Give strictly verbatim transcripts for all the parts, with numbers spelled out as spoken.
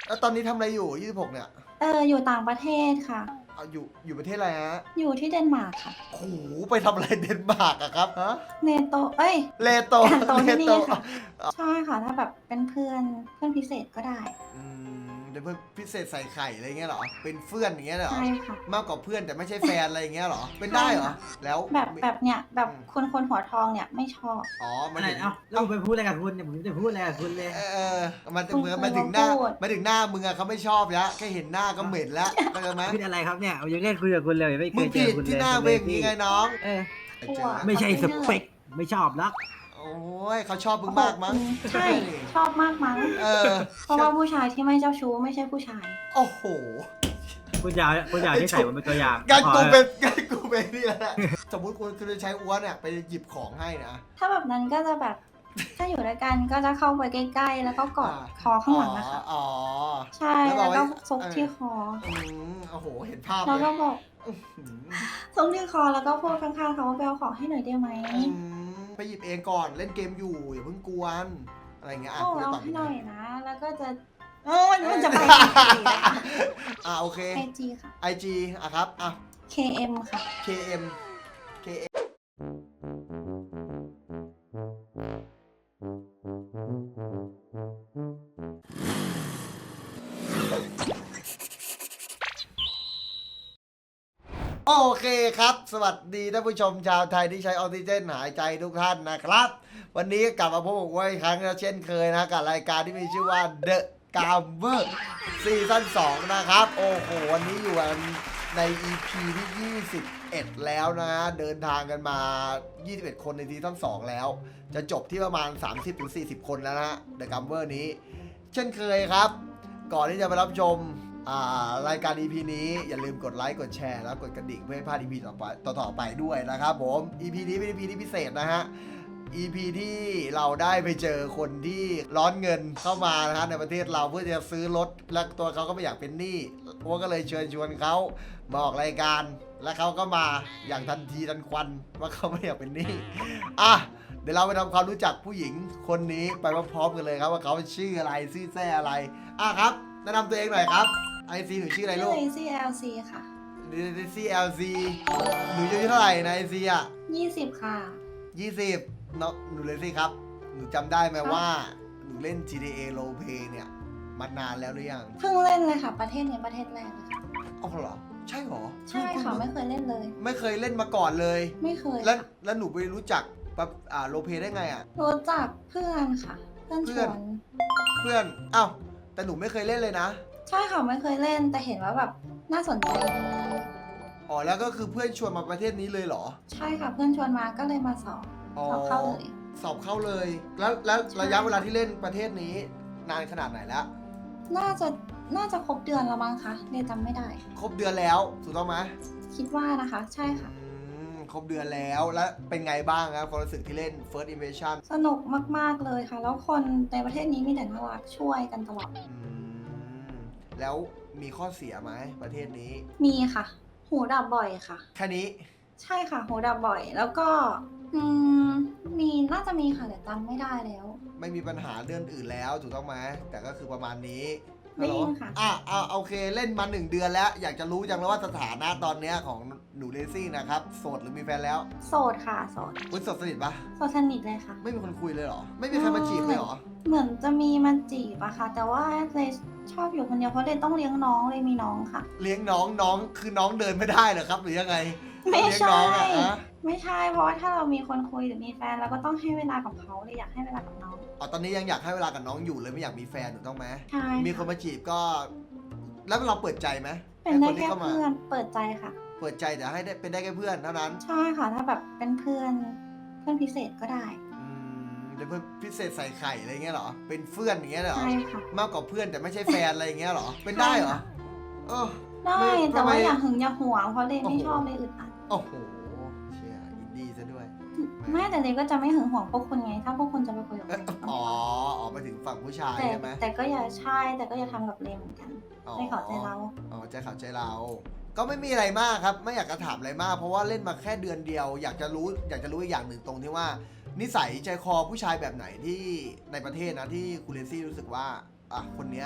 แล้วตอนนี้ทำอะไรอยู่ยี่สิบหกเนี่ยเอออยู่ต่างประเทศค่ะเอาอยู่อยู่ประเทศอะไรฮะอยู่ที่เดนมาร์กค่ะโอ้โหไปทำอะไรเดนมาร์กอะครับฮะเนโตเอ้ยเลโตการโตเลที่โตนี่ค่ะใช่ค่ะถ้าแบบเป็นเพื่อนเพื่อนพิเศษก็ได้อืมเป็นเพื่อนพิเศษใส่ไข่อะไรเงี้ยเหรอเป็นเพื่อนอย่างเงี้ยเหรอใช่ค่ะมากกว่าเพื่อนแต่ไม่ใช่แฟนอะไรอย่างเงี้ยเหรอเป็นได้เหรอแล้วแบบแบบเนี้ยแบบคนคนหัวทองเนี่ยไม่ชอบอ๋อมันอะไรถึงเอ้าแล้วผมไปพูดอะไรกับคุณเนี่ยผมจะพูดอะไรกับคุณเลยเออเออมันคุณเหมือนเคยมันถึงหน้ามาพูดมันถึงหน้ามึงอะเขาไม่ชอบแล้วแค่เห็นหน้าก็เหม็นแล้วเข้าใจไหมพูดอะไรครับเนี่ยผมยังเล่นคุยกับคุณเลยไม่เคมึงยเจผิอดคุณเลยที่หน้าเวงนี้ไงน้องเออเจอแล้วไม่ใช่สเปคไม่ชอบลักโอ้ยเขาชอบมึงมากมั้งใช่ชอบมากมั้งเออเพราะว่าผู้ชายที่ไม่เจ้าชู้ไม่ใช่ผู้ชายโอ้โหคุณอยากคุณอยากที่ใส่ผมเป็นตัวอย่างงั้นพอกูแล้วเป็นงั้นกูเป็นนี่แหละสมมติคุณคือจะใช้อ้วนเนี่ยไปหยิบของให้นะถ้าแบบนั้นก็จะแบบถ้าอยู่ด้วยกันก็จะเข้าไปใกล้ๆแล้วก็กอดคอข้างหลังนะคะอ๋อใช่แล้วบแล้อกวว่าก็ซกที่คออืมโอ้โหเห็นภาพแล้วเลก็ยบอกอื้อหือซกที่คอแล้วก็พูดข้างๆเขาว่าไปเอาของให้หน่อยได้ไหมอืมไปหยิบเองก่อนเล่นเกมอยู่อย่าเพิ่งกวนอะไรเงี้ยอ่ะโอ้คุณจะเอาตอบให้ยังหน่ไงอยนะ แล้วก็จะโอ้ยมันจะไปอีกนะคะอ่ะโอเคไอจีค่ะไอ จี อ่ะครับอ่ะเค เอ็ม ค่ะเค เอ็ม เค เอ็ม โอเคครับ สวัสดีท่านผู้ชมชาวไทยที่ใช้ออกซิเจนหายใจทุกท่านนะครับ วันนี้กลับมาพบกับผมอีกครั้งแล้วเช่นเคยนะกับรายการที่มีชื่อว่า The Gamer ซีซั่นสองนะครับ โอ้โห วันนี้อยู่กันใน อี พี ที่ ยี่สิบเอ็ด แล้วนะฮะเดินทางกันมา ยี่สิบเอ็ด คนในซีซั่นสองแล้ว จะจบที่ประมาณ สามสิบถึงสี่สิบ คนแล้วนะฮะ The Gamer นี้ เช่นเคยครับ ก่อนที่จะไปรับชมอ่ารายการ อี พี นี้อย่าลืมกดไลค์กดแชร์แล้วกดกระดิ่งเพื่อไม่พลาด อี พี ต่อไปต่อๆไปด้วยนะครับผม อี พี นี้เป็น อี พี ที่พิเศษนะฮะ อี พี ที่เราได้ไปเจอคนที่ร้อนเงินเข้ามานะฮะในประเทศเราเพื่อจะซื้อรถและตัวเขาก็ไม่อยากเป็นหนี้พวกก็เลยเชิญชวนเขามาออกรายการและเขาก็มาอย่างทันทีทันควันว่าเขาไม่อยากเป็นหนี้อ่ะเดี๋ยวเราไปทำความรู้จักผู้หญิงคนนี้ไปพร้อมๆกันเลยครับว่าเขาชื่ออะไรชื่อแท้อะไรอ่ะครับแนะนำตัวเองหน่อยครับไอซีหนูชื่ออะไรชื่ลูอก เอซีแอลซีค่ะหนูซี แอล ซี หนูอายุเท่าไหร่ในไอซีอ่ะยี่สิบค่ะยี่สิบเนาะหนูเลยสิครับ หนูจำได้ไหมครับว่า หนูเล่น จี ที เอ Role Play เนี่ยมานานแล้วหรือยังเพิ่งเล่นเลยค่ะ ประเทศนี้ประเทศแรกเลยค่ะอ๋อเหรอ ใช่เหรอใช่ค่ะ ไม่เคยเล่นเลยไม่เคยเล่นมาก่อนเลยไม่เคยแล้วค่ะแล้วหนูไปรู้จักแบบอ่าโรลเพลย์ได้ไงอ่ะรู้จักเพื่อนค่ะ เพื่อนชเพื่วอนนเพื่อนอ้าวแต่หนูไม่เคยเล่นเลยนะใช่ค่ะไม่เคยเล่นแต่เห็นว่าแบบน่าสนใจอ๋อแล้วก็คือเพื่อนชวนมาประเทศนี้เลยเหรอใช่ค่ะ เพื่อนชวนมาก็เลยมาสอบอ๋อสอบเข้าเลยสอบเข้าเลย แล้วแล้วใช่ระยะเวลาที่เล่นประเทศนี้นานขนาดไหนแล้วน่าจะน่าจะครบเดือนแล้วมั้งคะเรียนจำไม่ได้ครบเดือนแล้วถูกต้องไหมคิดว่านะคะ ใช่ค่ะอืมครบเดือนแล้วแล้วเป็นไงบ้างครับความรู้สึกที่เล่น First Invasion สนุกมาก ๆ เลยค่ะ แล้วคนในประเทศนี้มีแต่น่ารักช่วยกันตลอดอืมแล้วมีข้อเสียไหมประเทศนี้มีค่ะ หูดับบ่อยค่ะแค่นี้ใช่ค่ะ หูดับบ่อย แล้วก็ อืม มีน่าจะมีค่ะแต่จำไม่ได้แล้วไม่มีปัญหาเรื่องอื่นแล้วถูกต้องไหมแต่ก็คือประมาณนี้ได้ยินค่ะอ่ะอ่ะโอเคเล่นมาหนึ่งเดือนแล้ว อยากจะรู้จังเลยว่าสถานะตอนเนี้ยของหนูเลซี่นะครับโสดหรือมีแฟนแล้วโสดค่ะ โสดคุณโสดสนิทปะโสดสนิทเลยค่ะไม่มีคนคุยเลยเหรอ ไม่มีใครมาจีบเลยเหรอเหมือนจะมีมาจีบอะค่ะ แต่ว่าเลยชอบอยู่คนเดียวเพราะเลยต้องเลี้ยงน้องเลยมีน้องค่ะเลี้ยงน้องน้องคือน้องเดินไม่ได้เหรอครับหรือยังไงไม่เลี้ยงใช่น้องอะฮะไม่ใช่ เพราะว่าถ้าเรามีคนคุยหรือมีแฟนเราก็ต้องให้เวลากับเขาเลยอยากให้เวลากับน้องอ๋อตอนนี้ยังอยากให้เวลากับน้องอยู่เลยไม่อยากมีแฟนถูกต้องไหมใช่มีคนมาจีบก็ แล้วเราเปิดใจไหมเป็นได้ให้แค่ที่ข้ามาเพื่อนเปิดใจค่ะเปิดใจแต่ให้ได้เป็นได้แค่เพื่อนเท่านั้นใช่ค่ะ ถ้าแบบเป็นเพื่อนเพื่อนพิเศษก็ได้อืมเป็นเพื่อนพิเศษใส่ไข่อะไรเงี้ยเหรอเป็นเพื่อนอย่างเงี้ยเหรอใช่ค่ะมากกว่าเพื่อนแต่ไม่ใช่แฟนอะไรอย่างเงี้ยเหรอเป็นได้เหรอเออได้ไม่แต่ว่าทำไมอย่าหึงอย่าหวงเพราะเลยไม่โอ้โหชอบเลยอึดอัดโอ้โหเชียร์อินดี้ซะด้วยแม่แต่เลยก็จะไม่หึงหวงพวกคุณไง ถ้าพวกคุณจะไปคุยกับเอ้คยนอ๋อออกไปถึงฝั่งผู้ชายแต่ใช่ไหมแต่ก็อย่าใช่แต่ก็อย่าทำกับเลมเหมือนกันอ๋อไม่เข้าใจเราอ๋อใจเขาใจเรา ก็ไม่มีอะไรมากครับ ไม่อยากจะถามอะไรมาก เพราะว่าเล่นมาแค่เดือนเดียว อยากจะรู้ อยากจะรู้อีกอย่างหนึ่งตรงที่ว่า นิสัยใจคอผู้ชายแบบไหนที่ในประเทศนะที่คุณเลซี่รู้สึกว่าอ่ะคนเนี้ย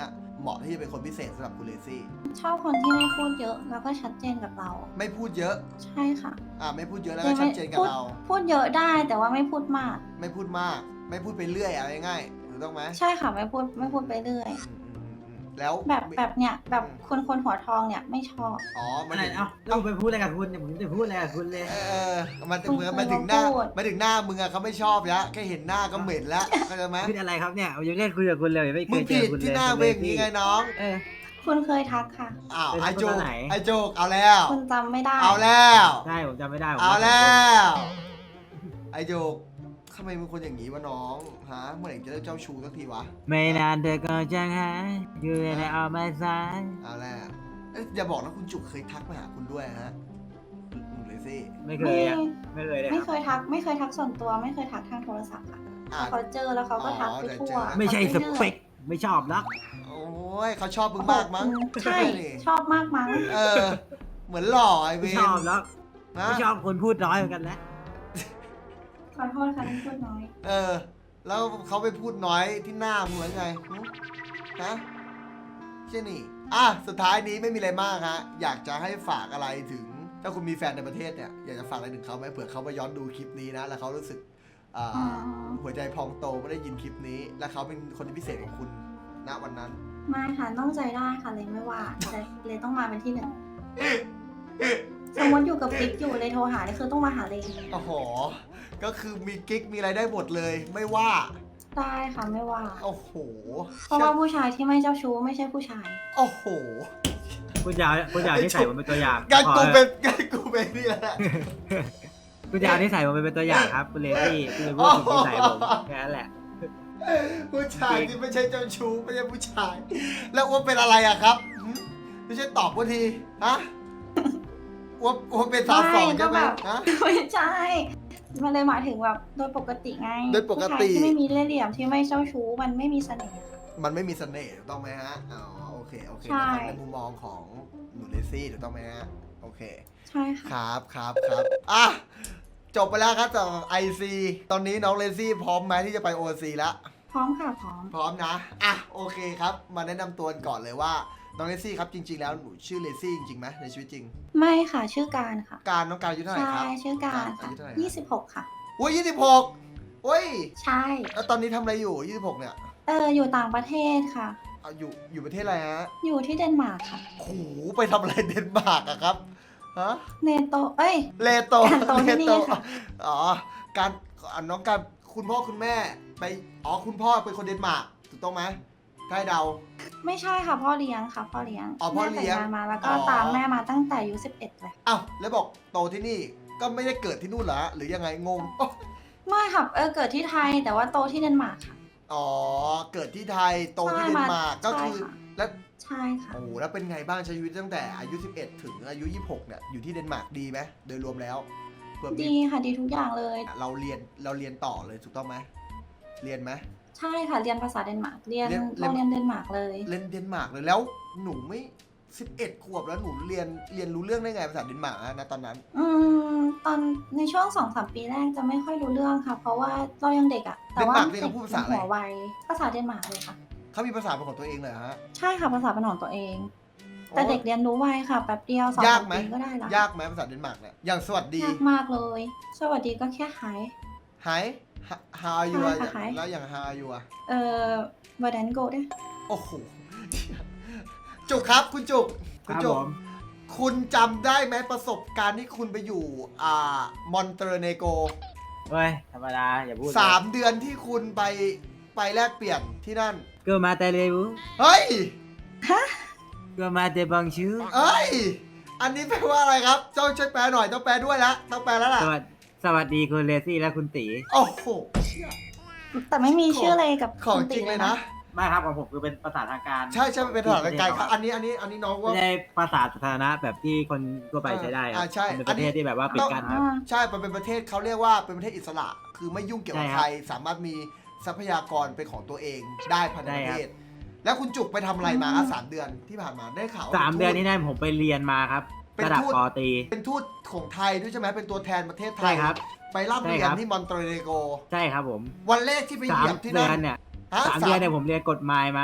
เหมาะที่จะเป็นคนพิเศษสำหรับคุณเลซี่ชอบคนที่ไม่พูดเยอะแล้วก็ชัดเจนกับเราไม่พูดเยอะใช่ค่ะอ่าไม่พูดเยอะแล้วก็ชัดเจนกับพูดเราพูดเยอะได้แต่ว่าไม่พูดมากไม่พูดมาก ไม่พูดไปเรื่อยอะไรง่ายๆถูกต้องไหมใช่ค่ะไม่พูดไม่พูดไปเรื่อยอืมอืมอืมอืมแล้วแบบแบบเนี้ยแบบคนคนหัวทองเนี่ยไม่ชอบอ๋อมันอะไรถึงเอ้าแล้วผมไปพูดอะไรกับคุณเนี่ยผมจะพูดอะไรกับคุณเลยเออมันถึงคุณเหมือนเคยมันถึงหน้ามาพูดมันถึงหน้ามึงอะเขาไม่ชอบแล้วแค่เห็นหน้าก็เหม็นแล้วเข้าใจไหมพูดอะไรครับเนี่ยผมยังเล่นคุยกับคุณเลยไม่เคมึงยเจผิอดคุณเลยที่หน้าคุณเวงนี้ไงน้องเออคุณเคยทักค่ะอ้าวเป็นไอโจคนกไหนไอโจกเอาแล้วคุณจำไม่ได้เอาแล้วใช่ผมจำไม่ได้ผมเอาแล้ขโทษว ไอโจกทำไมมึงคนอย่างนี้วะน้องฮะเมื่อไหร่จะเลิกเจ้าชู้สักทีวะไม่นานเธอก็จะหายอยู่ในอ้อมไม้ซ้ายเอาแล้วเอ้ยอย่าบอกนะคุณจุกเคยทักมาหาคุณด้วยฮะหนูเลยสิไม่เคไม่ยอะไม่เคยเลยไม่คเครับ ยทักไม่เคยทักส่วนตัวไม่เคยทักทางโทรศัพท์ค่ะอ่ะเขาเจอแล้วเขาก็ทักไปทั่วอ๋อไม่ใช่สเปคไม่ชอบรักโอ้ยเขาชอบมึงมากมั้งใช่นี่ชอบมากมั้งเออ เหมือนหล่อไอเวไม่นชอบรักนะไม่ชอบคนพูดน้อยเหมือนกันนะขอโทษค่ะที่พูดน้อยเออ แล้วเขาไปพูดน้อยที่หน้ามึงเหมือนไงหึฮะใช่นี่ อ่ะ สุดท้ายนี้ไม่มีอะไรมากฮะ อยากจะให้ฝากอะไรถึง ถ้าคุณมีแฟนในประเทศเนี่ย อยากจะฝากอะไรถึงเขาไหมเผื่อเขามาย้อนดูคลิปนี้นะ แล้วเขารู้สึกอ่าอ๋อหัวใจพองโตไม่ได้ยินคลิปนี้ และเขาเป็นคนที่พิเศษของคุณณวันนั้นไม่ค่ะต้องใจได้ค่ะเลยไม่ว่าแต่เลยต้องมาเป็นที่หนึ่งสมมติอยู่กับปิ๊กอยู่เลยโทรหาเนี่ยคือต้องมาหาเลยโอ้โห ก็คือมีกิ๊กมีอะไรได้หมดเลย ไม่ว่าได้ค่ะไม่ว่าโอ้โหเพราะว่าผู้ชายที่ไม่เจ้าชู้ไม่ใช่ผู้ชายโอ้โหคุณยาวคุณยาวที่ใส่ผมเป็นตัวอย่างงั้นพอกูเถเป็อะนงั้นกูเป็นนี่แหละคุณยาวที่ใส่ผมเป็นตัวอย่างครับคุณเลซี่คุณเลยพูดถึงที่ใส่ผมแค่นั้นแหละผู้ชายที่ไม่ใช่เจ้าชู้ไม่ใช่ผู้ชาย แล้วอ้วนเป็นอะไรอะครับหืมไม่ใช่ตอบว่าทีฮะอ้วนอ้วนเป็นสาวสองใช่ไหมไม่ก็แบบฮะไม่ใช่ มันเลยหมายถึงแบบโดยปกติไงโดยปกติผู้ชายที่ไม่มีเล่ห์เหลี่ยมที่ไม่เจ้าชู้มันไม่มีเสน่ห์ค่ะมันไม่มีเสน่ห์ถูกต้องไหมฮะอ๋อโอเคโอเคใช่นะครับในมุมมองของหนูเลซี่ถูกต้องไหมฮะโอเคใช่ค่ะครับครับครับอ่ะจบไปแล้วครับจากไอซีตอนนี้น้องเลซี่พร้อมไหมที่จะไปโอซีแล้วพร้อมค่ะพร้อมพร้อมนะ อ่ะ โอเคครับ มาแนะนำตัวกันก่อนเลยว่า น้องเลซี่ครับ จริง ๆ แล้วหนูชื่อเลซี่จริงๆไหมในชีวิตจริงไม่ค่ะชื่อการค่ะการน้องการอายุเท่าไหร่ใช่ครับชื่อการอาค่ะยุเท่าไหร่ยี่สิบหกค่ะอุ้ยยี่สิบหกโอ้ยใช่แล้วตอนนี้ทำอะไรอยู่ยี่สิบหกเนี่ยเอออยู่ต่างประเทศค่ะเอาอยู่ อยู่ประเทศอะไรฮะอยู่ที่เดนมาร์กค่ะโหไปทำอะไรเดนมาร์กอะครับ ฮะเนโตเอ้ยเลโตการโตที่นี่ค่ะอ๋อ การอ่ะน้องการคุณพ่อคุณแม่ ไป อ๋อ คุณพ่อเป็นคนเดนมาร์กถูกต้องไหมถ้าให้เดาไม่ใช่ค่ะพ่อเลี้ยงค่ะพ่อเลี้ยงอ๋อพ่อเลี้ยงแม่แต่งงานมาแล้วก็อ๋อตามแม่มาตั้งแต่อายุสิบเอ็ดเลยอ้าว แล้วบอกโตที่นี่ ก็ไม่ได้เกิดที่นู่นเหรอฮะหรือยังไง งงไม่ค่ะเออเกิดที่ไทยแต่ว่าโตที่เดนมาร์กค่ะอ๋อ เกิดที่ไทย โตที่ใช่เดนมามาร์กก็คือใช่ค่ะแล้วใช่ค่ะโอ้โหแล้วเป็นไงบ้างใช้ชีวิตตั้งแต่อายุสิบเอ็ดถึงอายุยี่สิบหกเนี่ย อยู่ที่เดนมาร์กดีไหมโดยรวมแล้วเผื่อมีดีค่ะดีทุกอย่างเลยเราเรียน เราเรียนต่อเลยถูกต้องไหม เรียนไหมใช่ค่ะเรียนภาษาเดนมาร์กเรียนเรียนโรงเรียนเดนมาร์กเลยเรียนเดนมาร์กเลย แล้วหนูไม่สิบเอ็ดขวบแล้วหนูเรียน เรียนรู้เรื่องได้ไงภาษาเดนมาร์กอะนะตอนนั้นอืมตอนในช่วงสองสามปีแรกจะไม่ค่อยรู้เรื่องค่ะ เพราะว่าเรายังเด็กอะแต่ว่าเดนมาร์กนี่เขาพูดภาษาอะไรหัวไวภาษาเดนมาร์กเลยค่ะเขามีภาษาเป็นของตัวเองเลยเหรอฮะใช่ค่ะภาษาเป็นของตัวเอง แต่เด็กเรียนรู้ไวค่ะแป๊บเดียวสองยาสาก มไหมปีก็ได้ละยากไหมภาษาเดนมาร์กเนี่ย อย่างสวัสดียากมากเลย สวัสดีก็แค่หาย Hi How are you อะใช่ค่ะ Hi แล้วอย่าง How are you อะเอ่อวาดันโกได้โอ้โห จุกครับคุณจุกคคุณรับจุผกมคุณจำได้ไหมประสบการณ์ที่คุณไปอยู่ อ่ามอนเตเนโกเฮ้ยธรรมดาอย่าพูดเลยสามเดือนที่คุณไปไปแลกเปลี่ยนที่นั่นเกิดมาแต่เร็วเฮ้ยเกิดมาแต่บางชื่อเอ้ย อันนี้แปลว่าอะไรครับ เจ้าช่วยแปลหน่อย ต้องแปลด้วยละต้องแปลแล้วล่ะสวัสดีสวัสดีคุณเลซี่และคุณตีโอ้โหเชี่ยแต่ไม่มีชื่อเลยกับของคุณจริงเลยนะไม่ครับของผมคือเป็นภาษาทางการใช่ใช่มันเป็นภาษาไกลๆครับ อันนี้อันนี้อันนี้น้องว่าไม่ได้ภาษาสาธารณะแบบที่คนทั่วไปใช้ได้ครัอ่าใช่เป็นประเทศที่แบบว่าปิดกั้นครับอ่าใช่ มันเป็นประเทศเขาเรียกว่าเป็นประเทศอิสระ คือไม่ยุ่งเกี่ยวกับใช่ครับใคร สามารถมีทรัพยากรเป็นของตัวเองได้ภายในได้ประครับเทศ แล้วคุณจุกไปทำอะไรมาครับสามเดือนที่ผ่านมาได้ข่าวว่สามเดือนทูตนี้ได้ผมไปเรียนมาครับเป็นระดับทูตปอตรีเป็นทูตของไทยด้วยใช่ไหมเป็นตัวแทนประเทศไทใช่ยครับไปร่ำเรียใช่คน รับที่มอนเตเนโกใช่ครับผมวันแรกที่ไปเหสายีมยบที่เดืนั่อนนเนี่ยฮะสามเดือนเนี่ยผมเรียนกฎหมายมาเนี่ย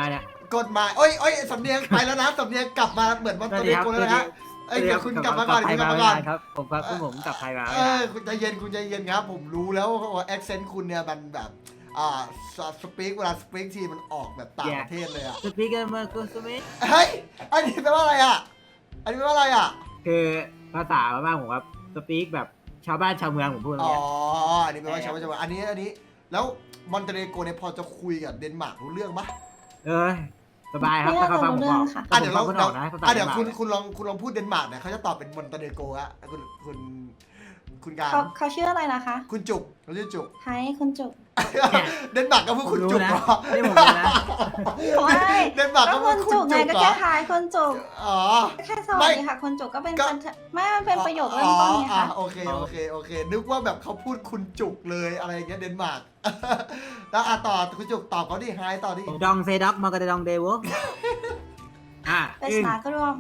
กฎหมายโอ้ยโอ้ยสำเนียงไปแล้วนะสำเนียงกลับมาเหมือนมอนสเตวัสเนดีครับโกแล้วนะเอ้ยเดี๋ยวคุณกลับมาก่อนคุณกลับไทมาย ก่อนครับ ผมครับผมกลับไทยมาเออคุณใจเย็นคุณใจเย็นครับ ผมรู้แล้วว่าแอคเซนต์คุณเนี่ยมันแบบอ่าสปีกเวลาสปีกทีมันออกแบบต่างประเทศเลยอ่ะสปีกเกอร์เมอร์กุสมิเฮ้ยอันนี้แปลว่าอะไรอ่ะอันนี้แปลว่าอะไรอ่ะคือภาษาบ้านผมครับสปีกแบบชาวบ้านชาวเมืองผมพูดอ๋อเนี่ยอันนี้แปลว่าชาวบ้านชาวเมืองอันนี้อันนี้แล้วมอนเตเนโกเนี่ยพอจะคุยกับเดนมาร์กรู้เรื่องปะเออสบายครับไม่ถ้าน่าเขาจะฟังรู้ผมเรื่บออง กค่ะอ่ะเดี๋ยวเราผมเดี๋ยวออกนะภาษาอ่ะเดี๋ยวคุณเดนมาร์กคุณลองคุณลองพูดเดนมาร์กเนี่ยเขาจะตอบเป็นมอนเตเนโกอะคุณคุณคุณการเขาเขาชื่ออะไรนะคะคุณจุกเขาชื่อจุกไทยคุณจุกเดนมาร์กก็พูดผมคุณรู้จุกนะเหรอนี่ผมรู้นะไม่เดนมาร์กก็ก็พูคุดณคุจุณกไงจุกก็เหรแค่อทายคุณจุกอ๋อแค่สวัสดีค่ะคุณจุกก็เป็นก็คนไม่มันเป็นประโยคเริ่มต้นไงอ๋อคะโอเคโอเคโอเค นึกว่าแบบเขาพูดคุณจุกเลยอะไรอย่างเงี้ยเดนมาร์ก แล้วอ่ะต่อคุณจุกตอบเขาดิไฮต่อดิดองเซด็อกมากระดองเดวอ่ะเป็นอึ้งสากรวม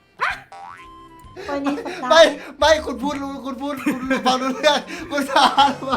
วันนี้สัปดาไม่ห์ไม่คุณพูดรู้คุณพูดคุณฟังรู้เรื่องคุณสารว่า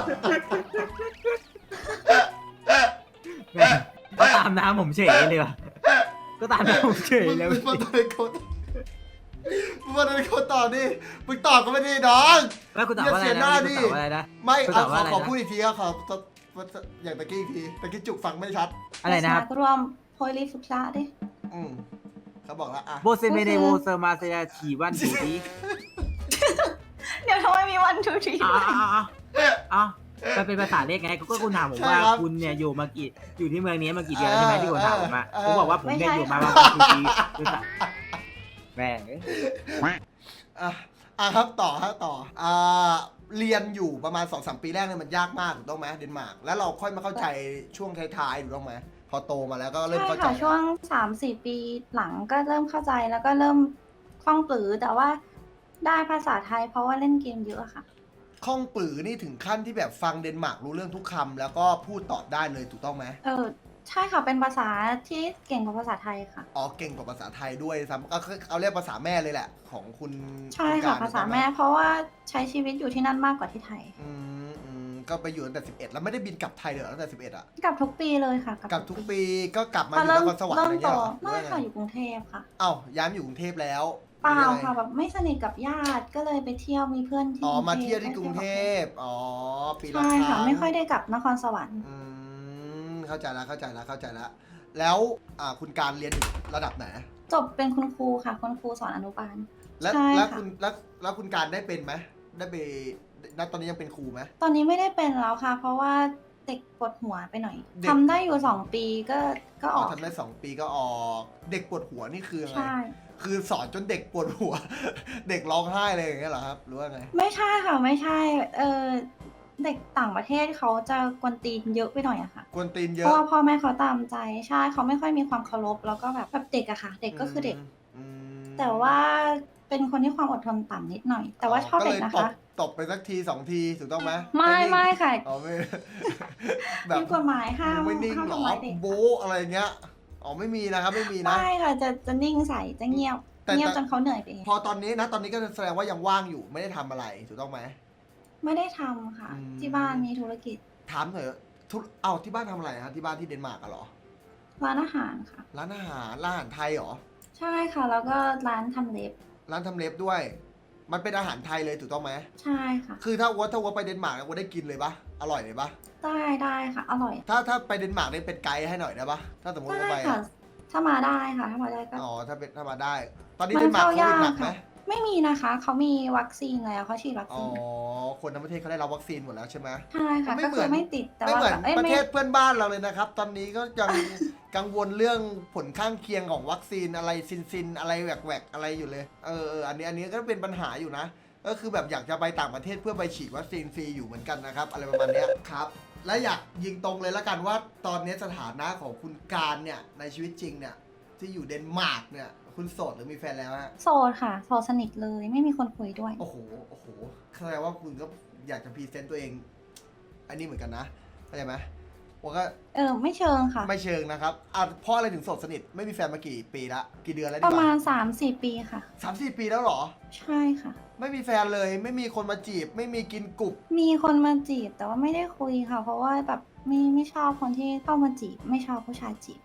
แม่งก็ตามน้ำผมเฉยเลยว่ะก็ตามน้ำผมเฉยมึงเลยมึงมาตอนเขามึงมาตอนเขาตอบดิมึงตอบก็ไม่ได้น้องแล้วคุณตอบว่าอะไรอย่าเสียหนะน้าคุณดิตอบว่าอะไรนะไม่คุณเอาตอบขว่าออะไรขอนะพูดอีกทีครับขออย่างตะกี้อีกทีตะกี้จุกฟังไม่ชัดอะไรนะครับสากรวมโพลิสุชาดิอืมเขาบอกแล้วอ่ะโบเซเมเนโวเซอร์มาเซียฉีวันดีดีเดี๋ยวทำไมมีวันทูทีอ๋ออ๋อมันเป็นภาษาเลขไงก็คุณถามผมว่าคุณเนี่ยอยู่มากี่อยู่ที่เมืองนี้มากี่เดือนใช่ไหมที่คุณถามผมอ่ะผมบอกว่าผมเนี่ยอยู่มาประมาณปีคือสักแม่งอ่ะอ่ะครับต่อครับต่ออ่าเรียนอยู่ประมาณสองสามปีแรกเนี่ยมันยากมากถูกต้องไหมเดนมาร์กแล้วเราค่อยมาเข้าใจช่วงท้ายๆถูกต้องไหมพอโตมาแล้วก็เริ่มใช่เข้าใจค่ะช่วงสามสี่ปีหลังก็เริ่มเข้าใจแล้วก็เริ่มคล่องปลือแต่ว่าได้ภาษาไทยเพราะว่าเล่นเกมเยอะค่ะคล่องปลือนี่ถึงขั้นที่แบบฟังเดนมาร์กรู้เรื่องทุกคำแล้วก็พูดตอบได้เลยถูกต้องไหมเออใช่ค่ะเป็นภาษาที่เก่งกว่าภาษาไทยค่ะอ๋อเก่งกว่าภาษาไทยด้วยซ้ำก็คือเอาเรียกภาษาแม่เลยแหละ ของคุณใช่ณค่ะกรภาษาถูกต้องไหแม่เพราะว่าใช้ชีวิตอยู่ที่นั่นมากกว่าที่ไทยอืมอืมก็ไปอยู่ตั้งแต่สิบเอ็ดแล้วไม่ได้บินกลับไทยเลยเหรอตั้งแต่สิบเอ็ดอ่ะกลับทุกปีเลยค่ะกลับทุกปีก็กลับมาอพอยู่นเริ่มครสวรรค์เริ่อะไรมโตเงี้ยเหรอไม่หรือว่าค่ะไงอยู่กรุงเทพค่ะเอ้าย้ายมาอยู่กรุงเทพแล้วเปล่าหรือยังไงค่ะแบบไม่สนิทกับญาติก็เลยไปเที่ยวมีเพื่อนที่อ๋อกรุงมาเทพเที่ยวที่กรุงเทพอ๋อปีละใช่คค่ะรั้งไม่ค่อยได้กลับนครสวรรค์อืมเข้าใจแล้วเข้าใจแล้วเข้าใจแล้วแล้วอ่าคุณการเรียนอยู่ระดับไหนจบเป็นคุณครูค่ะคุณครูสอนอนุบาลแล้วใช่แล้วค่ะคุณแล้วแล้วคุณการได้เป็นไหมได้ไปณตอนนี้ยังเป็นครูไหมตอนนี้ไม่ได้เป็นแล้วค่ะ เพราะว่าเด็กปวดหัวไปหน่อยเด็กทำได้อยู่สองปีก็ก็ออ๋ออกทำได้สองปีก็ออกเด็กปวดหัวนี่คือยังไงใช่คือสอนจนเด็กปวดหัว เด็กร้องไห้เลยอย่างเงี้ยเหรอครับหรือว่าไงไม่ใช่ค่ะไม่ใช่เออเด็กต่างประเทศเขาจะกวนตีนเยอะไปหน่อยอะค่ะกวนตีนเยเพอะราะว่าพ่อแม่เขาตามใจใช่เขาไม่ค่อยมีความเคารพแล้วก็แบบแบบเด็กอะค่ะ เด็กก็คือเด็กอืมแต่ว่าเป็นคนที่ความอดทนต่ำนิดหน่อย แต่ว่าชอบเด็กนะก็ลยตคะบตบไปสักทีสองทีถูกต้องไหมไม่นิ่งไม่ค่ะอ๋อไม่มีกฎหมายห้ามไม่นิ่งห้ามหรอทำร้ายเด็กโบ๊ะอะไรเงี้ยอ๋อไม่มีนะครับไม่มีนะไม่ค่ะจะจะนิ่งใส่จะเงียบแต่เงียบแต่จนเขาเหนื่อยไปเองพอตอนนี้นะตอนนี้ก็แสดงว่ายังว่างอยู่ไม่ได้ทำอะไรถูกต้องไหมไม่ได้ทำค่ะอืมที่บ้านมีธุรกิจถามหน่อยทุเอ้าที่บ้านทำอะไรฮะที่บ้านที่เดนมาร์กอะเหรอร้านอาหารค่ะร้านอาหารร้านอาหารไทยเหรอใช่ค่ะ แล้วก็ร้านทำเล็บร้านทำเล็บด้วย มันเป็นอาหารไทยเลยถูกต้องไหมใช่ค่ะคือถ้าวัวถ้าวัวไปเดนมาร์กวัวได้กินเลยปะอร่อยเลยปะได้ได้ค่ะ อร่อยถ้าถ้าไปเดนมาร์กได้เป็นไกด์ให้หน่อยได้ปะถ้าสมมติได้ว่าไปค่ะอะถ้ามาได้ค่ะ ถ้ามาได้ก็อ๋อถ้าเป็นถ้ามาได้ ตอนนี้มันเดนมาร์กเข้าโควิดหนักยากไหมค่ะ ไม่มีนะคะเขามีวัคซีนแล้วเขาฉีดวัคอ๋อซีนคนทั้งประเทศเขาได้รับวัคซีนหมดแล้วใช่ไหมใช่ค่ะไม่ก็เหมืคือ อน ไม่ติดแต่ไม่ว่าเหมือนแบบเอ้ยประไม่เทศเพื่อนบ้านเราเลยนะครับ ตอนนี้ก็ยัง กังวลเรื่องผลข้างเคียงของวัคซีนอะไรซินซินอะไรแหวกแหวกอะไรอยู่เลยเออเอออันนี้อันนี้ก็เป็นปัญหาอยู่นะ ก็คือแบบอยากจะไปต่างประเทศเพื่อไปฉีดวัคซีนฟรีอยู่เหมือนกันนะครับ อะไรประมาณเนี้ยครับ และอยากยิงตรงเลยละกันว่าตอนนี้สถานะของคุณการเนี่ยในชีวิตจริงเนี่ยที่อยู่เดนมาร์กเนี่ยคุณโสดหรือมีแฟนแล้วฮะโสดค่ะโสดสนิทเลย ไม่มีคนคุยด้วยโอ้โหโอ้โหแสดงว่าคุณก็อยากจะพรีเซนต์ตัวเองอันนี้เหมือนกันนะเข้าใจไหมว่าก็เออ ไม่เชิงค่ะไม่เชิงนะครับอ่ะเพราะอะไรถึงโสดสนิทไม่มีแฟนมากี่ปีละกี่เดือนแล้วปดีระกมาว่าณสามสี่ปีค่ะสามสี่ปีแล้วเหรอใช่ค่ะไม่มีแฟนเลยไม่มีคนมาจีบ ไม่มีกินกลุ่มมีคนมาจีบแต่ว่าไม่ได้คุยค่ะ เพราะว่าแบบไม่ไม่ชอบคนที่เข้ามาจีบ ไม่ชอบผู้ชายจีบ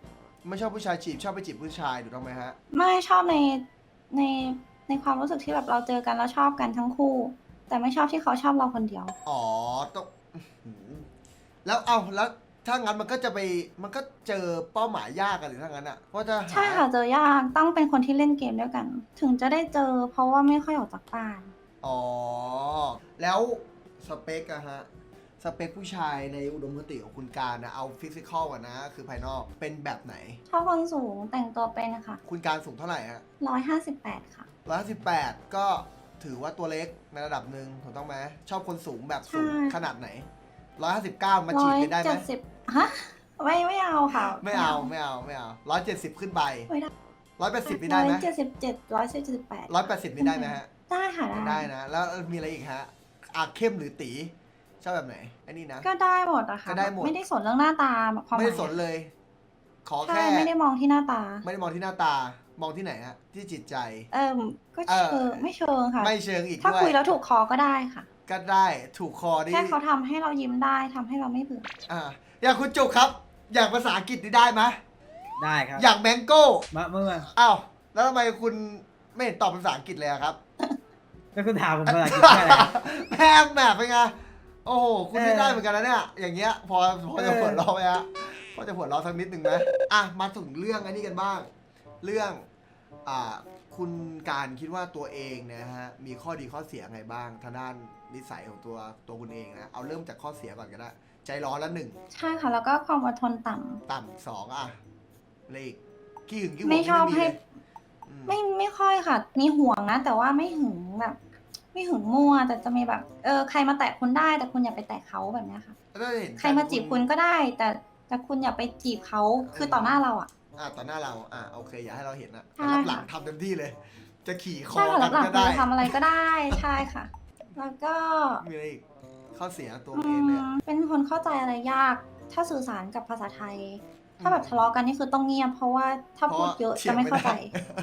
ไม่ชอบผู้ชายจีบชอบไปจีบผู้ชายถูกต้องไหมฮะไม่ชอบในในในความรู้สึกที่แบบเราเจอกันแล้วชอบกันทั้งคู่ แต่ไม่ชอบที่เขาชอบเราคนเดียวอ๋อต้องอื้อหือแล้วเอาแล้วถ้างั้นมันก็จะไปมันก็เจอเป้าหมายยากกันหรือถ้างั้นอ่ะเพราะจะหาใช่ค่ะเจอยากต้องเป็นคนที่เล่นเกมด้วยกัน ถึงจะได้เจอเพราะว่าไม่ค่อยออกจากบ้านอ๋อแล้วสเปคอะฮะสเปคผู้ชายในอุดมคติของคุณการนะเอาฟิสิกอลก่อนนะคือภายนอกเป็นแบบไหนชอบคนสูงแต่งตัวเป็นนะคะคุณการสูงเท่าไหร่ฮะร้อยห้าสิบแปดค่ะร้อยสิบแปดก็ถือว่าตัวเล็กในระดับหนึ่งถูกต้องไหมชอบคนสูงแบบสูงใช่ขนาดไหนร้อยห้าสิบเก้ามาจีร้บอยกันได้ไหมเจ็ดสิบฮะไม่ไม่เอาค่ะไม่เอาไม่เอาไม่เอาร้อยเจ็ดสิบขึ้นไปไม่ได้ร้อยแปดสิบนี่ร้ได้อยไหมเจ็ดสิบเจ็ดร้อยเจ็ดสิบแปดร้อยแปดสิบนี่ได้ไหมฮะได้ค่ะได้ได้นะ แล้วมีอะไรอีกฮะอ่ะเข้มหรือตีชอบแบบไหนไอ้นี่นะก็ได้หมดอะค่ะก็ได้หมดไม่ได้สนเรื่องหน้าตาความหไม่มายได้สนเลย ขอใช่แค่ไม่ได้มองที่หน้าตาไม่ได้มองที่หน้าตา มองที่ไหนฮะที่จิตใจเออก็เอเชิองไม่เชิงค่ะไม่เชิงอีกถ้าด้วยคุยแล้วถูกคอก็ได้ค่ะก็ได้ถูกคอดิแค่เขาทำให้เรายิ้มได้ทำให้เราไม่เบื่ออ่าอย่างคุณจุกครับ อย่างภาษาอังกฤษนี่ได้ไหมได้ครับอย่างแมงโก้มาเมื่ออ้าวแล้วทำไมคุณไม่เห็นตอบเป็นภาษาอังกฤษเลยอะครับก็คุณถามผมภาษาอังกฤษแค่ไหนแพงแบบเป็นไงโอ้โหคุณไม่ได้เหมือนกันนะเนี่ยอย่างเงี้ยพอพอจะหัวเราะไหมฮะพอจะหัวเราะสักนิดหนึ่งไหมอ่ะมาถึงเรื่องอันนี้กันบ้าง เรื่องอ่าคุณการคิดว่าตัวเองเนะฮะมีข้อดีข้อเสียไงบ้างทางด้านนิสัยของตัวตัวคุณเองนะเอาเริ่มจากข้อเสียก่อนก็ได้ใจร้อนละหนึ่งใช่ค่ะ แล้วก็ความอดทนต่ำต่ำสองอ่ะเลขขี้หึงขี้หวงไม่ชอบนี่ให้เลยอืมไม่ไม่ค่อยค่ะ มีห่วงนะ แต่ว่าไม่หึงแบบ ไม่หึงมั่วแต่จะมีแบบ เออใครมาแตะคุณได้ แต่คุณอย่าไปแตะเขาแบบเนี้ยค่ะแล้วก็เห็นใครมาจีบคุณก็ได้ แต่แต่คุณอย่าไปจีบเขาคือต่อหน้าเราอ่ะอ่ะต่อหน้าเราอ่ะโอเคอย่าให้เราเห็นนะใช่แต่รับหลังค่ะทำเต็มที่เลย จะขี่คอใช่ค่ะกัรับนหลังก็คุได้ณทำอะไรก็ได้ใช่ค่ะ แล้วก็มีอะไรอีกข้อเสียตัวอืเองเลยมอะเป็นคนเข้าใจอะไรยาก ถ้าสื่อสารกับภาษาไทย ถ้าแบบทะเลาะกันนี่คือต้องเงียบ เพราะว่าถ้าพูดเยอะจะไม่เข้าใจ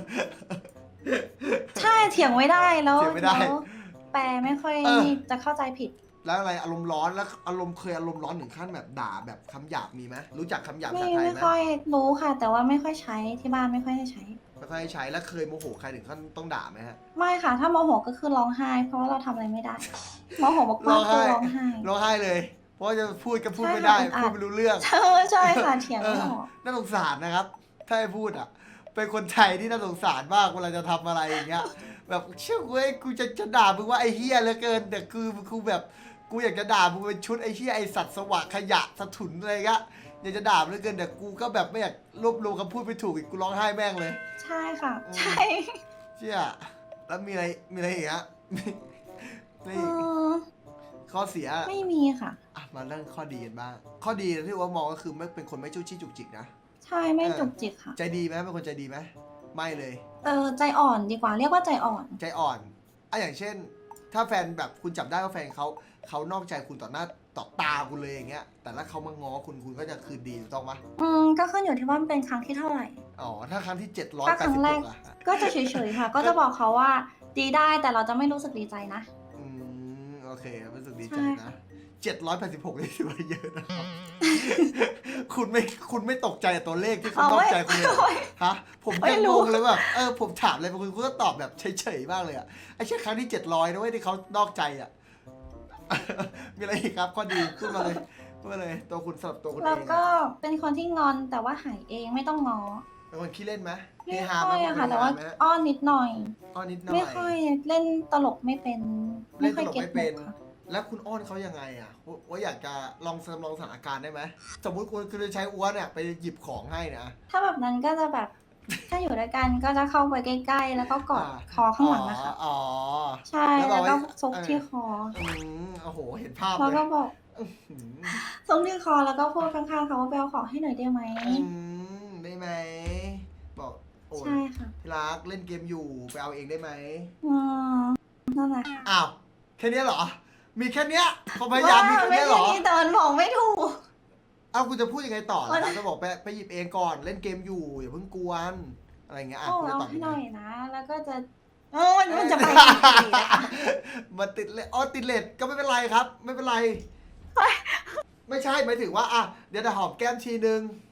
ใช่เถียงไม่ได้แล้วเถียงไม่ได้แล้วแปลไม่ค่อยเออนี่จะเข้าใจผิดแล้วอะไรอารมณ์ร้อนแล้วอารมณ์เคยอารมณ์ร้อนถึงขั้นแบบด่าแบบคำหยาบมีไหมรู้จักคำหยาบไม่ภาษาไทยไม่ไหมค่อยรู้ค่ะ แต่ว่าไม่ค่อยใช้ที่บ้านไม่ค่อยได้ใช้ไม่ค่อยให้ใช้แล้วเคยโมโหใครถึงขั้นต้องด่าไหมฮะไม่ค่ะ ถ้าโมโหก็คือร้องไห้ เพราะว่าเราทำอะไรไม่ได้โมโหมากร้องๆคือไห้ร้องไห้ร้องไห้เลย เพราะว่าจะพูดก็พูดใช่ไม่ได้ค่ะพูดไม่รู้เรื่องใช่ใช่ค่ะเถียงเอไม่อออกน่าสงสารนะครับ ถ้าให้พูดอ่ะ เป็นคนไทยที่น่าสงสารมากเวลาจะทำอะไรอย่างเงี้ย แบบเชื่อเว้ยกูจะจะด่ามึงว่าไอ้เฮียเหลือเกิน แต่คือกูแบบกูอยากจะด่ามึงเป็นชุดไอ้เฮียไอ้สัตว์สวะขยะสะถุนอะไรเงี้ยอยากจะด่ามึงเหลือเกินแต่กูก็แบบไม่อยากรวบรวมคำพูดไม่ถูกอีกกูร้องไห้แม่งเลยใช่ค่ะอืมใช่เชี่ยแล้วมีอะไรมีอะไรอีกฮะเอนี่อข้อเสียไม่มีค่ะอ่ะมาเรื่องข้อดีกันบ้างข้อดีที่ว่ามองก็คือไม่เป็นคนไม่จู้จี้จุกจิกนะใช่ไม่เออจุกจิกค่ะใจดีไหมเป็นคนใจดีไหมไม่เลยเออใจอ่อนดีกว่า เรียกว่าใจอ่อนใจอ่อนอ่ะอย่างเช่น ถ้าแฟนแบบคุณจับได้ว่าแฟนเขาเขานอกใจคุณต่อหน้าต่อตาคุณเลยอย่างเงี้ย แต่ถ้าเขามาง้อคุณคุณก็จะคืนดีถูกต้องปะอืมก็ขึ้นอยู่ที่ว่ามันเป็นครั้งที่เท่าไหร่อ๋อถ้าครั้งที่เจ็ดร้อยถ้าแปคดรั้สิงบแรหกกอะก็จะเฉยๆค่ะ ก็จะบอกเขาว่าดีได้แต่เราจะไม่รู้สึกดีใจนะอืมโอเครู้สึกดีใจใช่นะเจ็ดร้อยแปดสิบหกนี่ถือว่าเยอะนะครับ คุณไม่คุณไม่ตกใจกับตัวเลขที่เขานอกใจคุณเลยเหรอ ฮะผมยังงงเลยแบบเออผมถามอะไรบางคนคุณก็ตอบแบบเฉยๆมากเลยอ่ะไอ้แค่ครั้งที่เจ็ดร้อยนะเว้ยที่เขานอกใจอ่ะ มีอะไรอีกครับข้อดีพูดมาเลยพูดมาเลยตัวคุณสำหรับตัวคุณเอแล้วงก็อะเป็นคนที่งอนแต่ว่าหายเองไม่ต้องง้อเป็นคนขี้เล่นไหมเฮไม่ฮาไหค่มอยอะค่ะเป็นแต่เฮฮว่าไหมอ้อนนิดหน่อยอ้อนนิดหน่อยไม่ค่อยเล่นตลกไม่เป็นเล่ไม่นตค่อยลกเก็ตไม่มุเป็นกค่ะแล้วคุณอ้อนเขายังไงอ่ะว่าว่าอยากจะลองจำลองสถานการณ์ได้ไหมสมมุติคุณคือจะใช้อ้วนเนี่ยไปหยิบของให้นะถ้าแบบนั้นก็จะแบบ ถ้าอยู่ด้วยกันก็จะเข้าไปใกล้ๆแล้วก็กอดคอข้างหลังนะคะอ๋อใช่แล้วบแล้อกวว่าก็ซกที่คออืมโอ้โหเห็นภาพแล้วเลยก็บอกอื้อหือซกที่คอแล้วก็พูดข้างๆเขาว่าไปเอาของให้หน่อยได้ไหมอืมได้ไหมบอกโอ้ยใช่ค่ะที่รักเล่นเกมอยู่ไปเอาเองได้ไหมอืมนั่นแหละอ้าวแค่เนี้ยเหรอ มีแค่เนี้ยความพยายามมีแค่ไม่เนี้ยเหรใช่อนี่แต่มันบอกไม่ถูกเอ้าคุณจะพูดยังไงต่อมัล่ะนจะบอกไปไปหยิบเองก่อนเล่นเกมอยู่อย่าเพิ่งกวนอะไรเงี้ยอ่ะโอ้คุณจะเอาตอบให้ยังหน่ไงอยนะ แล้วก็จะโอ้ยมันจะไปอีกนะคะมันติดเลยอ๋อติดเลทก็ไม่เป็นไรครับ ไม่เป็นไร ไม่ใช่หมายถึงว่าอ่ะเดี๋ยวจะหอมแก้มทีนึง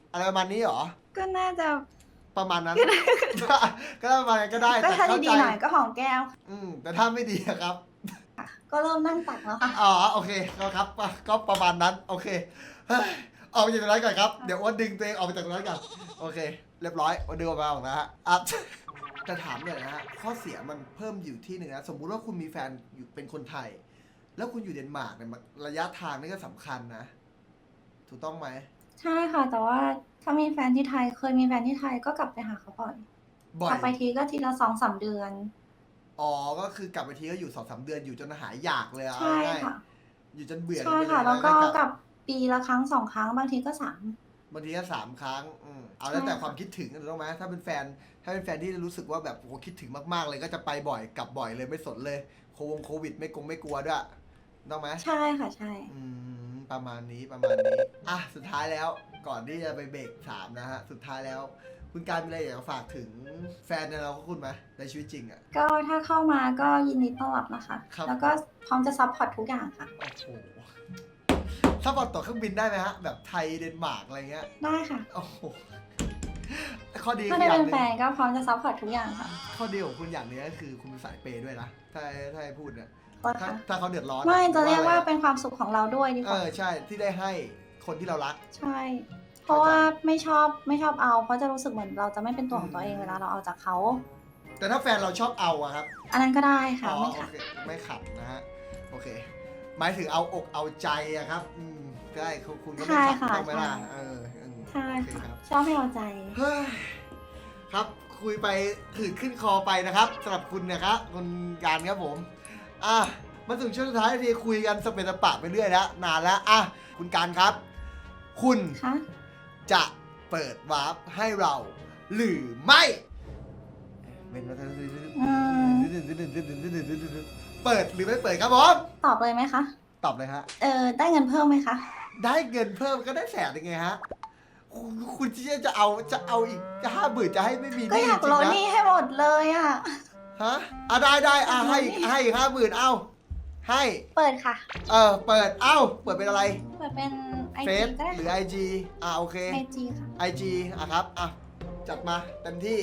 อะไรประมาณนี้เหรอก็น่าจะประมาณนั้น ก็ประมาณนั้นก็ได้ก็แต่ถ้าเข้าดีใจๆหน่อยก็หอมแก้มอืมแต่ถ้าไม่ดีอะครับค่ะ ก็เริ่มนั่งตักแล้วค่ะอ๋อโอเคก็ครับก็ประมาณนั้นโอเคเฮ้ยออกไปจากตรงนั้นก่อนครับเดี๋ยวอ้วนดึงตัวเองออกไปจากตรงนั้นก่อนโอเค เรียบร้อยอ้วนดึงออกมาออกนะฮะอ่ะ จะถามหน่อยนะฮะข้อเสียมันเพิ่มอยู่ที่หนึ่งนะสมมุติว่าคุณมีแฟนอยู่เป็นคนไทย แล้วคุณอยู่เดนมาร์กเนี่ยมันระยะทางนี่ก็สำคัญนะ ถูกต้องไหมใช่ค่ะ แต่ว่าถ้ามีแฟนที่ไทยเคยมีแฟนที่ไทยก็กลับไปหาเขาบ่อยบ่อกลัยบไปทีก็ทีละสองสามเดือนอ๋อก็คือกลับไปทีก็อยู่สองสามเดือนอยู่จนหายอยากเลยเอาใช่ง่ายค่ะๆอยู่จนเบื่อใช่ไปเยค่ะ แล้วก็ล้กลับปีละครั้งสองครั้งบางทีก็สามบางทีก็สามครั้งอืมเอาแล้วแต่ใช่ค่ะความคิดถึงถูกต้องไหมถ้าเป็นแฟน ถ้าเป็นแฟนที่รู้สึกว่าแบบโอ้โหคิดถึงมากๆเลยก็จะไปบ่อยกลับบ่อยเลยไม่สนเลยโควงโควิดไม่กงไม่กลัวด้วยถูกต้องไหมใช่ค่ะใช่อืมประมาณนี้ประมาณนี้อ่ะสุดท้ายแล้วก่อนที่จะไปเบรกสามนะฮะสุดท้ายแล้ว คุณการมีอะไรอยากจะฝากถึงแฟนในเราของคุณไหมในชีวิตจริงอ่ะก็ถ้าเข้ามาก็ยินดีต้อนรับนะคะครับแล้วก็พร้อมจะซัพพอร์ตทุกอย่างค่ะโอ้โหถ้าบอลต่อเครื่องบินได้ไหมฮะแบบไทยเดนมาร์กอะไรเงี้ยได้ค่ะโอ้โหข้อดีถ้าคือได้อย่าเป็งนหแฟนึ่งนก็พร้อมจะซัพพอร์ตทุกอย่างค่ะข้อดีของคุณอย่างหนึงก็คือคุณเป็นสายเปย์ด้วยนะถ้าถ้าให้พูดเนี่ยก็ถ้าค่ะถ้าเขาเดือดร้อนไม่จะเรียกว่าอไอะเป็นความสุขของเราด้วยดีกเอว่าอใช่ที่ได้ให้คนที่เรารักใช่ เพราะว่าไม่ชอบไม่ชอบเอา เพราะจะรู้สึกเหมือนเราจะไม่เป็นตัวของตัวเองเวลาเราเอาจากเขาแต่ถ้าแฟนเราชอบเอาอะครับอันนั้นก็ได้ค่ะอ๋อไม่โอค่ะเคไม่ขัดนะฮะโอเค หมายถึงเอาอกเอาใจอะครับอืมได้คุณคุณก็ไม่ใช่ขัดค่ะต้องไหมล่ะใช่เอออืมใช่โอเคค่ะครับชอบให้เอาใจเฮ้ยครับคุยไปถืดขึ้นคอไปนะครับสำหรับคุณนะครับคุณการครับผมอ่ะมาถึงช่วงสุดท้ายทีคุยกันสเปนสปะไปเรื่อยแล้วนานแล้วอ่ะคุณการครับ คุณคะจะเปิดวาร์ปให้เรา หรือไม่เป็นว่าอืมเปิดหรือไม่เปิดครับผมตอบเลยไหมคะตอบเลยฮะเออได้เงินเพิ่มไหมคะได้เงินเพิ่มก็ได้แสนยังไงฮะคุณคุณที่จะเอาจะเอาอีกห้าหมื่นจะให้ไม่มีหก็นี้อยากจริลงดนะหนี้ให้หมดเลยอ่ะฮะอ่ะได้ได้อ่ะให้อีกให้อีกห้าหมื่นเอาให้เปิดค่ะเออเปิดเอ้าเปิดเป็นอะไรเปิดเป็นไอเฟจีซก็ได้หรือค่ะไอจีอ่ะโอเคไอจีค่ะไอจีอ่ะครับอ่ะจัดมาเต็มที่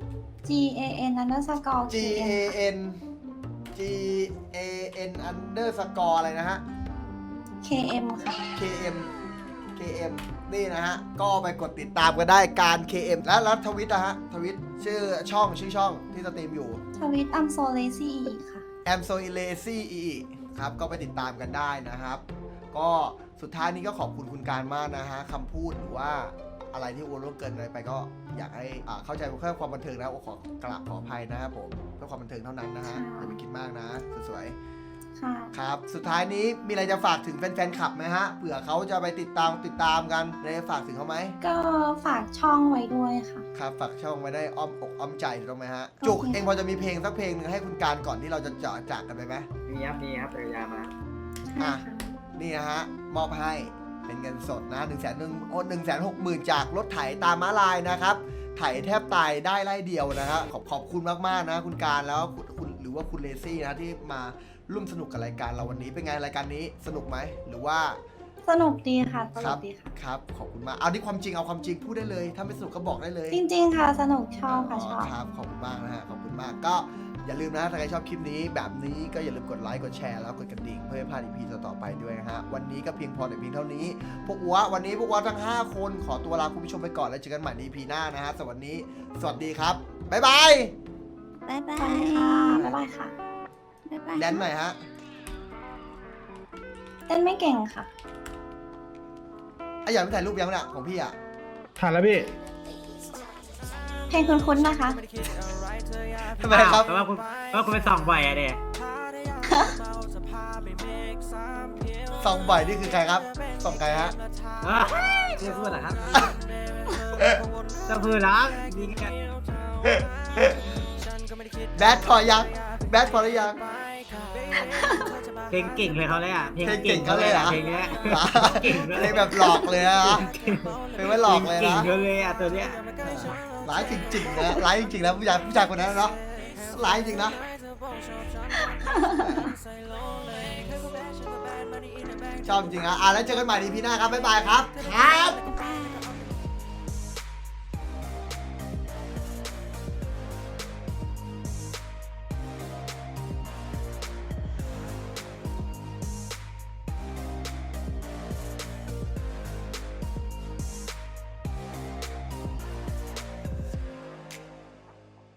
G A N underscore G K A M N G A N underscore อะไรนะฮะ K M ค่ะ K M K M นี่นะฮะ ก็ไปกดติดตามกันได้การ เค เอ็ม แล้วแล้วทวิตนะฮะ ทวิตชื่อช่องชื่อช่องที่สตรีมอยู่ทวิตอัมโซเลซี่ค่ะ am so lazy ครับ ก็ไปติดตามกันได้นะครับ ก็สุดท้ายนี้ก็ขอบคุณคุณการมากนะฮะคำพูดหรือว่าอะไรที่อ้วนล่วงเกินอะไรไปก็อยากให้อ่าเข้าใจเพื่อความบันเทิงนะขอกราบขออภัยนะครับผมเพื่อความบันเทิงเท่านั้นนะฮะอย่าไปคิดมากนะสวยๆค่ะครับ สุดท้ายนี้มีอะไรจะฝากถึงแฟนๆคลับไหมฮะ เผื่อเขาจะไปติดตามติดตามกันได้ฝากถึงเขาไหมก็ฝากช่องไว้ด้วยค่ะครับ ฝากช่องไว้ได้อ้อมอกอ้อมใจถูกต้องไหมฮะโอเคจุกเองพอจะมีเพลงสักเพลงหนึ่งให้คุณการก่อนที่เราจะเจาะจากกันไปไหมมีครับมีครับจักรยานมาใช่อ่ะค่ะนี่นะฮะ มอบให้เป็นเงินสดนะหนึ่งแสนหนึ่งโอ้หนึ่งแสนหกหมื่นจากรถไถตามม้าลายนะครับ ไถแทบตายได้ไล่เดียวนะฮะขอบขอบคุณมากๆนะ คุณการแล้วคุณคุณหรือว่าคุณเลซี่นะที่มาร่วมสนุกกับรายการเราวันนี้เป็นไงรายการนี้สนุกไหมหรือว่าสนุกดีค่ะตคลรักดีค่ะครับขอบคุณมากเอาที่ความจริงเอาความจริงพูดได้เลย ถ้าไม่สนุกก็บอกได้เลยจริงๆค่ะ สนุกชอบค่ะชอบครับขอบคุณมากนะฮะขอบคุณมากก็อย่าลืมนะถ้าใครชอบคลิปนี้แบบนี้ก็อย่าลืมกดไลค์กดแชร์แล้วกดกระดิ่งเพื่อไม่พลาดอีพีต่อๆไปด้วยนะฮะวันนี้ก็เพียงพอแต่เพียงเท่านี้ พวกอัววันนี้พวกอัวทั้งห้าคนขอตัวลาคุณผู้ชมไปก่อนแล้วเจอกันใหม่ในอีพีหน้านะฮะสวัสดีสวัสดีครับบ๊ายบายบ๊ายบาสวัสยดีค่ะ บ๊ายบายค่ะบ๊ายบายแดนหน่อยฮะเต้นไม่เก่งค่ะไอ้อยากไปถ่ายรูปยังเนี่ยของพี่อ่ะถ่ายแล้วพี่เพลงคุ้นๆนะคะทำไมครับแปลว่าคุณแปลว่าคุณไปส่องบ่อยอะเด็ส่องบ่อยนี่คือใครครับส่องใครฮะเชื่อพูดเหรอครับจะพูดเหรอยิงกันแบดพอยังแบดพอหรือยังเพลงเก่งเลยเขาเลยอ่ะเพลงเก่งเขาเลยเหรอเพลงเนี้ยเก่งเลยเพลงแบบหลอกเลยนะเพลงไม่หลอกเลยเก่งนะเลยอ่ะตัวเนี้ยร้ายจริงๆนะร้ายจริงๆนะผู้ชายผู้ชายคนนั้นเนาะร้ายจริงนะชอบจริงอ่ะอ่ะแล้วเจอกันใหม่ในพีหน้าครับบ๊ายบายครับครับบ๊ายบาย